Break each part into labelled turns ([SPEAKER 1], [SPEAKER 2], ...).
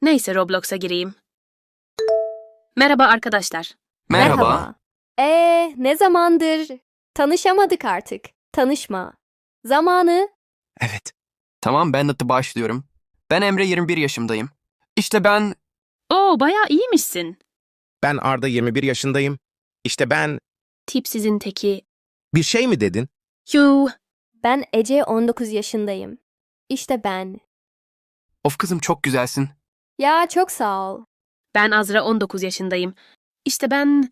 [SPEAKER 1] Neyse Roblox'a gireyim. Merhaba arkadaşlar.
[SPEAKER 2] Merhaba.
[SPEAKER 3] Ne zamandır? Tanışamadık artık. Tanışma. Zamanı.
[SPEAKER 2] Evet. Tamam, ben de başlıyorum. Ben Emre, 21 yaşındayım. İşte ben...
[SPEAKER 1] Oo, bayağı iyiymişsin.
[SPEAKER 4] Ben Arda 21 yaşındayım. İşte ben...
[SPEAKER 1] Tipsizin teki.
[SPEAKER 4] Bir şey mi dedin?
[SPEAKER 1] Yuh.
[SPEAKER 3] Ben Ece 19 yaşındayım. İşte ben.
[SPEAKER 2] Of kızım, çok güzelsin.
[SPEAKER 3] Ya çok sağ ol.
[SPEAKER 1] Ben Azra 19 yaşındayım. İşte ben...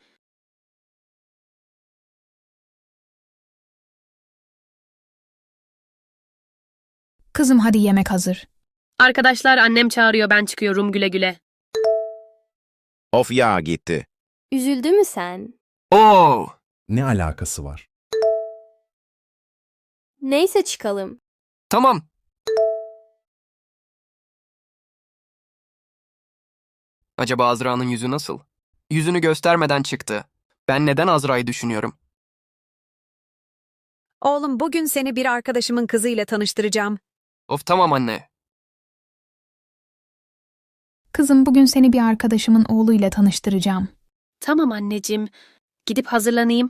[SPEAKER 5] Kızım hadi yemek hazır.
[SPEAKER 1] Arkadaşlar annem çağırıyor, ben çıkıyorum, güle güle.
[SPEAKER 4] Of ya gitti.
[SPEAKER 3] Üzüldü mü sen?
[SPEAKER 2] Oo!
[SPEAKER 6] Ne alakası var?
[SPEAKER 3] Neyse çıkalım.
[SPEAKER 2] Tamam. Acaba Azra'nın yüzü nasıl? Yüzünü göstermeden çıktı. Ben neden Azra'yı düşünüyorum?
[SPEAKER 7] Oğlum, bugün seni bir arkadaşımın kızıyla tanıştıracağım.
[SPEAKER 2] Of tamam anne.
[SPEAKER 5] Kızım bugün seni bir arkadaşımın oğluyla tanıştıracağım.
[SPEAKER 1] Tamam anneciğim. Gidip hazırlanayım.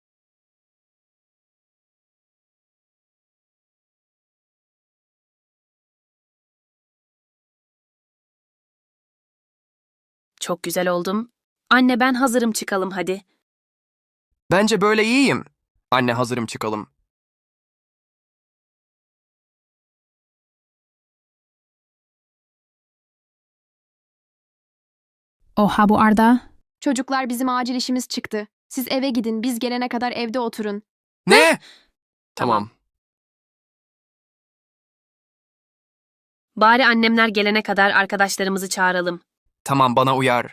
[SPEAKER 1] Çok güzel oldum. Anne ben hazırım, çıkalım hadi.
[SPEAKER 2] Bence böyle iyiyim. Anne, hazırım, çıkalım.
[SPEAKER 5] Oha bu Arda.
[SPEAKER 8] Çocuklar, bizim acil işimiz çıktı. Siz eve gidin, biz gelene kadar evde oturun.
[SPEAKER 2] Ne? Tamam.
[SPEAKER 1] Bari annemler gelene kadar arkadaşlarımızı çağıralım.
[SPEAKER 2] Tamam, bana uyar.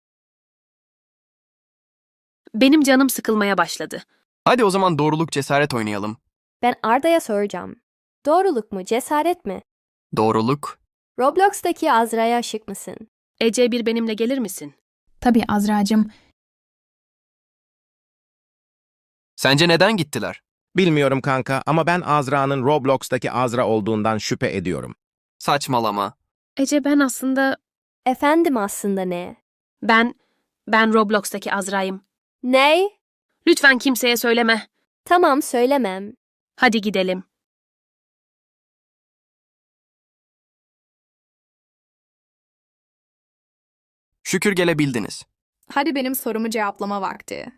[SPEAKER 1] Benim canım sıkılmaya başladı.
[SPEAKER 2] Hadi o zaman doğruluk cesaret oynayalım.
[SPEAKER 3] Ben Arda'ya soracağım. Doğruluk mu, cesaret mi?
[SPEAKER 2] Doğruluk.
[SPEAKER 3] Roblox'taki Azra'ya aşık mısın?
[SPEAKER 1] Ece, bir benimle gelir misin?
[SPEAKER 5] Tabii Azra'cığım.
[SPEAKER 2] Sence neden gittiler?
[SPEAKER 4] Bilmiyorum kanka ama ben Azra'nın Roblox'taki Azra olduğundan şüphe ediyorum.
[SPEAKER 2] Saçmalama.
[SPEAKER 1] Ece, ben aslında...
[SPEAKER 3] Efendim aslında ne?
[SPEAKER 1] Ben Roblox'taki Azra'yım.
[SPEAKER 3] Ne?
[SPEAKER 1] Lütfen kimseye söyleme.
[SPEAKER 3] Tamam söylemem.
[SPEAKER 1] Hadi gidelim.
[SPEAKER 2] Şükür gelebildiniz.
[SPEAKER 9] Hadi benim sorumu cevaplama vakti.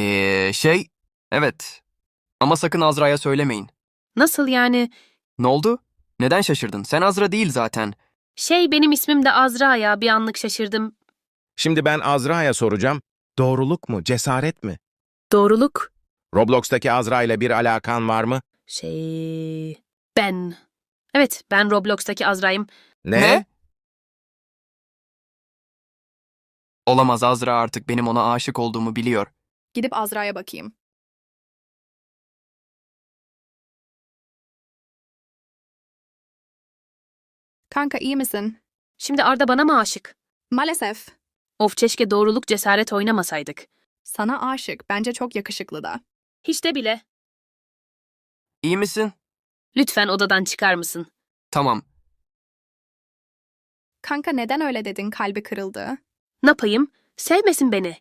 [SPEAKER 2] Evet. Ama sakın Azra'ya söylemeyin.
[SPEAKER 1] Nasıl yani?
[SPEAKER 2] Ne oldu? Neden şaşırdın? Sen Azra değil zaten.
[SPEAKER 1] Benim ismim de Azra ya, bir anlık şaşırdım.
[SPEAKER 4] Şimdi ben Azra'ya soracağım. Doğruluk mu, cesaret mi?
[SPEAKER 1] Doğruluk.
[SPEAKER 4] Roblox'taki Azra ile bir alakan var mı?
[SPEAKER 1] Ben. Evet, ben Roblox'taki Azra'yım.
[SPEAKER 4] Ne?
[SPEAKER 2] Olamaz, Azra artık benim ona aşık olduğumu biliyor.
[SPEAKER 9] Gidip Azra'ya bakayım. Kanka, iyi misin?
[SPEAKER 1] Şimdi Arda bana mı aşık?
[SPEAKER 9] Maalesef.
[SPEAKER 1] Of, keşke doğruluk cesaret oynamasaydık.
[SPEAKER 9] Sana aşık. Bence çok yakışıklı da.
[SPEAKER 1] Hiç de bile.
[SPEAKER 2] İyi misin?
[SPEAKER 1] Lütfen odadan çıkar mısın?
[SPEAKER 2] Tamam.
[SPEAKER 9] Kanka, neden öyle dedin? Kalbi kırıldı.
[SPEAKER 1] Ne yapayım? Sevmesin beni.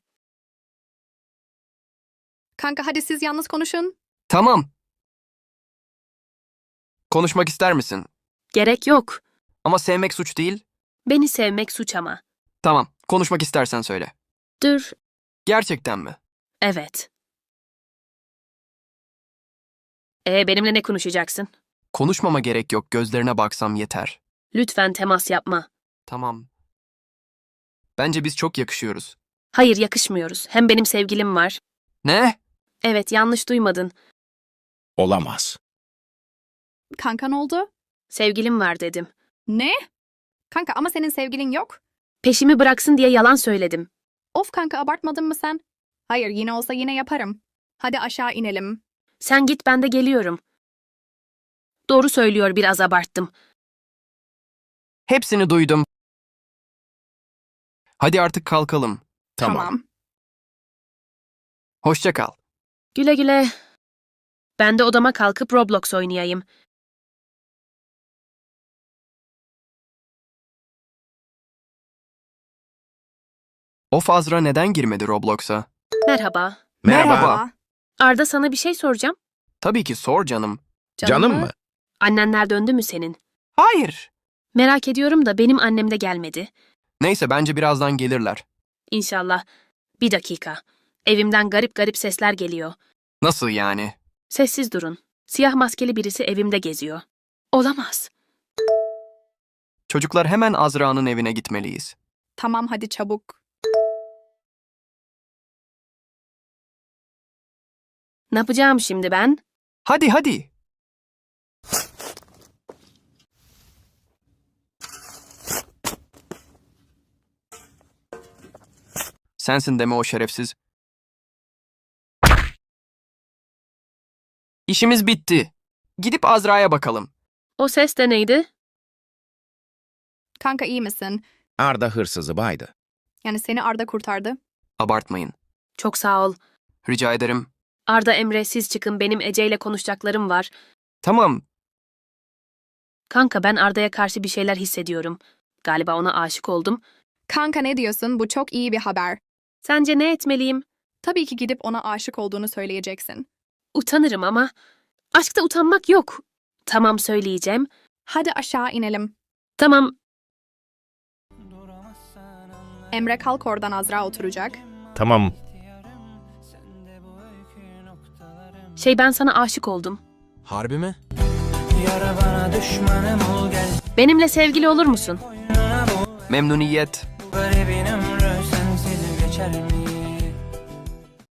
[SPEAKER 9] Kanka, hadi siz yalnız konuşun.
[SPEAKER 2] Tamam. Konuşmak ister misin?
[SPEAKER 1] Gerek yok.
[SPEAKER 2] Ama sevmek suç değil.
[SPEAKER 1] Beni sevmek suç ama.
[SPEAKER 2] Tamam. Konuşmak istersen söyle.
[SPEAKER 1] Dur.
[SPEAKER 2] Gerçekten mi?
[SPEAKER 1] Evet. Benimle ne konuşacaksın?
[SPEAKER 2] Konuşmama gerek yok. Gözlerine baksam yeter.
[SPEAKER 1] Lütfen temas yapma.
[SPEAKER 2] Tamam. Bence biz çok yakışıyoruz.
[SPEAKER 1] Hayır, yakışmıyoruz. Hem benim sevgilim var.
[SPEAKER 2] Ne?
[SPEAKER 1] Evet, yanlış duymadın.
[SPEAKER 4] Olamaz.
[SPEAKER 9] Kanka, ne oldu?
[SPEAKER 1] Sevgilim var dedim.
[SPEAKER 9] Ne? Kanka, ama senin sevgilin yok.
[SPEAKER 1] Peşimi bıraksın diye yalan söyledim.
[SPEAKER 9] Of kanka, abartmadın mı sen? Hayır, yine olsa yine yaparım. Hadi aşağı inelim.
[SPEAKER 1] Sen git, ben de geliyorum. Doğru söylüyor, biraz abarttım.
[SPEAKER 2] Hepsini duydum. Hadi artık kalkalım.
[SPEAKER 9] Tamam.
[SPEAKER 2] Hoşça kal.
[SPEAKER 1] Güle güle. Ben de odama kalkıp Roblox oynayayım.
[SPEAKER 2] Of, Azra neden girmedi Roblox'a?
[SPEAKER 1] Merhaba.
[SPEAKER 2] Merhaba.
[SPEAKER 1] Arda, sana bir şey soracağım.
[SPEAKER 2] Tabii ki sor canım.
[SPEAKER 4] Canım mı?
[SPEAKER 1] Annenler döndü mü senin?
[SPEAKER 2] Hayır.
[SPEAKER 1] Merak ediyorum da benim annem de gelmedi.
[SPEAKER 2] Neyse, bence birazdan gelirler.
[SPEAKER 1] İnşallah. Bir dakika. Evimden garip garip sesler geliyor.
[SPEAKER 2] Nasıl yani?
[SPEAKER 1] Sessiz durun. Siyah maskeli birisi evimde geziyor. Olamaz.
[SPEAKER 2] Çocuklar, hemen Azra'nın evine gitmeliyiz.
[SPEAKER 9] Tamam hadi çabuk.
[SPEAKER 1] Ne yapacağım şimdi ben?
[SPEAKER 2] Hadi hadi. Sensin deme o şerefsiz. İşimiz bitti. Gidip Azra'ya bakalım.
[SPEAKER 1] O ses de neydi?
[SPEAKER 9] Kanka iyi misin?
[SPEAKER 4] Arda hırsızı baydı.
[SPEAKER 9] Yani seni Arda kurtardı.
[SPEAKER 2] Abartmayın.
[SPEAKER 1] Çok sağ ol.
[SPEAKER 2] Rica ederim.
[SPEAKER 1] Arda, Emre, siz çıkın, benim Ece ile konuşacaklarım var.
[SPEAKER 2] Tamam.
[SPEAKER 1] Kanka, ben Arda'ya karşı bir şeyler hissediyorum. Galiba ona aşık oldum.
[SPEAKER 9] Kanka ne diyorsun? Bu çok iyi bir haber.
[SPEAKER 1] Sence ne etmeliyim?
[SPEAKER 9] Tabii ki gidip ona aşık olduğunu söyleyeceksin.
[SPEAKER 1] Utanırım ama. Aşkta utanmak yok. Tamam, söyleyeceğim.
[SPEAKER 9] Hadi aşağı inelim.
[SPEAKER 1] Tamam.
[SPEAKER 9] Emre kalk, oradan Azra oturacak.
[SPEAKER 4] Tamam.
[SPEAKER 1] Ben sana aşık oldum.
[SPEAKER 6] Harbi mi?
[SPEAKER 1] Benimle sevgili olur musun?
[SPEAKER 2] Memnuniyet.